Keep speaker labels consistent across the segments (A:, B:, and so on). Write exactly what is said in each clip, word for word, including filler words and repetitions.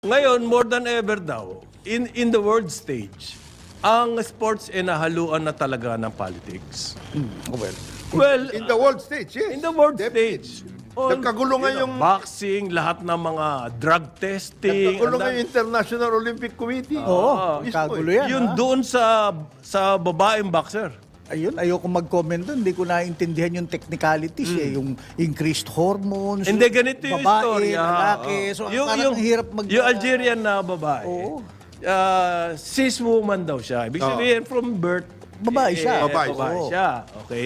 A: Ngayon, more than ever daw, in, in the world stage, ang sports ay nahaluan na talaga ng politics.
B: Well,
A: Well,
B: in the world stage, yes.
A: in the world
B: Definitely.
A: stage.
B: Nagkagulo nga
A: you know,
B: yung-
A: boxing, lahat ng mga drug testing.
B: Nagkagulo
A: ang
B: nga
A: dami-
B: yung International Olympic Committee.
C: Oo,
B: Mismo
C: kagulo
B: eh.
C: yan.
A: Yun
C: ha?
A: doon sa sa babaeng boxer.
C: Ayun, ayoko mag-comment doon. Hindi ko naintindihan yung technicalities eh. Yung increased hormones.
A: Hindi, ganito yung
C: babae,
A: istorya.
C: lalaki.
A: Oo.
C: So, parang hirap mag...
A: Yung Algerian na babae,
C: Oo.
A: ah, cis woman daw siya. Ibig
B: Oo.
A: sabihin, from birth,
C: Babae siya.
A: eh,
B: Babae
A: babae
C: siya.
A: siya. Okay?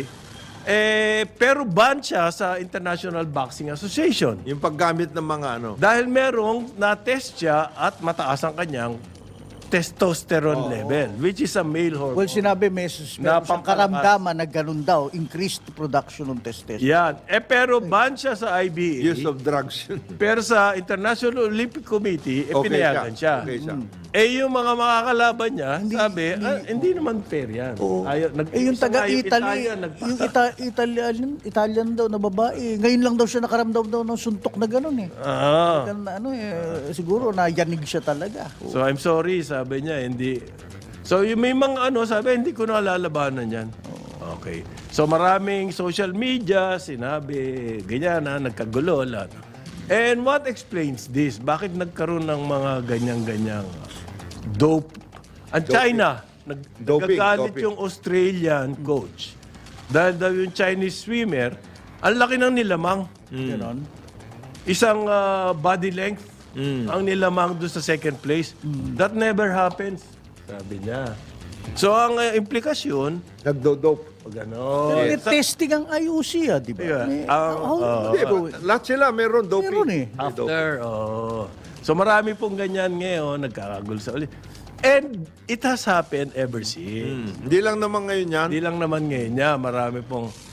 A: Eh, pero ban siya sa International Boxing Association.
B: Yung paggamit ng mga ano.
A: Dahil merong na-test siya at mataas ang kanyang testosterone level, which is a male hormone.
C: Well, sinabi may, sus-
A: Na
C: meron siyang
A: pampalakas.
C: karamdaman na ganun daw. Increased production ng testosterone.
A: Yan. Eh, pero ban siya sa I B A.
B: Use of drugs yun.
A: Pero sa International Olympic Committee, eh,
B: Okay
A: pinayagan siya.
B: Okay siya.
A: Eh, yung mga makakalaban niya, sabi, hindi, hindi naman fair yan.
C: Oo.
A: Ayaw, nag-
C: Eh, yung
A: isa nga
C: taga-Italy,
A: Italian, nag-
C: yung Ita- Italian, Italian daw na babae. Ngayon lang daw siya nakaramdam daw ng suntok na gano'n eh.
A: Ah.
C: Ganun na ano eh, siguro nayanig siya talaga.
A: So, I'm sorry, sabi niya, hindi. So, yung may mga ano, sabi, hindi ko na lalabanan yan. Okay. So, maraming social media, sinabi, ganyan na, nagkagulo, lahat. And what explains this? Bakit nagkaroon ng mga ganyang-ganyang dope? Ang China, nag,
B: Doping,
A: nagagalit
B: doping.
A: yung Australian coach. Dahil daw yung Chinese swimmer, ang laki ng nilamang.
C: Ganon.
A: Isang ah, body length ang nilamang doon sa second place. That never happens, sabi niya. So, ang ah, implikasyon,
B: Nagdo-dope.
A: gano'n.
C: Pero may testing ang I O C ah, di ba?
A: Yeah.
C: May-
A: Ang-
C: how-
A: oo.
B: Hindi, lahat sila meron doping.
C: Meron eh.
B: May doping.
A: After, oh. So, marami pong ganyan ngayon, nagkakagulo sa ulit. And it has happened ever since.
B: Hindi lang naman ngayon yan.
A: Hindi lang naman ngayon niya, marami pong